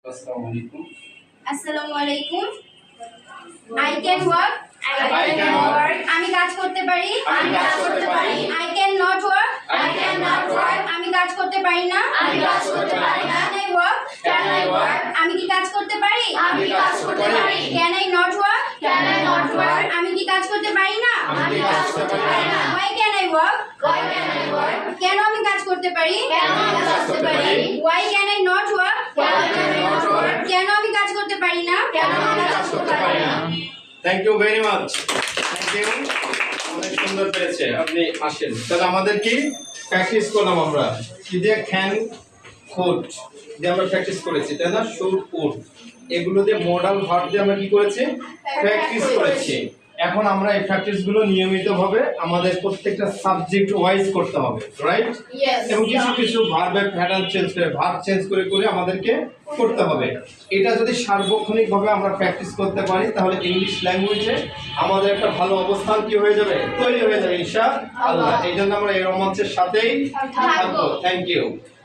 Assalamualaikum. Assalamualaikum. I can work. I can work. আমি কাজ করতে পারি। আমি কাজ করতে পারি। I cannot work. I cannot work. আমি কাজ করতে পারি না। আমি কাজ করতে পারি না। Can I work? Can I work? আমি কি কাজ করতে পারি? আমি কাজ করতে পারি। Can I not work? Can I not work? আমি কি কাজ করতে পারি না? আমি কাজ করতে পারি না। Why can I work? Why can I work? কেন আমি কাজ করতে পারি? কেন আমি কাজ করতে পারি? Why can I not work? Why can I not work? কেন আমি কাজ করতে পারি না? কেন আমি কাজ করতে পারি না? Thank you very much. Thank you. অনেক সুন্দর পেরেছে। আপনি আসেন। তাহলে আমাদের কি প্র্যাকটিস করলাম আমরা? কি দিয়ে ক্যান কুড দিয়ে আমরা প্র্যাকটিস করেছি, তাই না? শুড কুড এগুলো দিয়ে মডাল ভার্ব দিয়ে আমরা কি করেছি? প্র্যাকটিস করেছি। এখন আমরা এই প্র্যাকটিসগুলো নিয়মিতভাবে আমাদের প্রত্যেকটা সাবজেক্ট ওয়াইজ করতে হবে, রাইট? এবং কিছু কিছু ভার্বের প্যাটার্ন চেঞ্জ করে ভার্ব চেঞ্জ করে করে আমাদেরকে করতে হবে। এটা যদি সার্বক্ষণিকভাবে আমরা প্র্যাকটিস করতে পারি তাহলে ইংলিশ ল্যাঙ্গুয়েজে আমাদের একটা ভালো অবস্থান কি হয়ে যাবে, তৈরি হয়ে যাবে ইনশাআল্লাহ। এই জন্য আমরা এই রোমাঞ্চের সাথেই থাকবো। Thank you.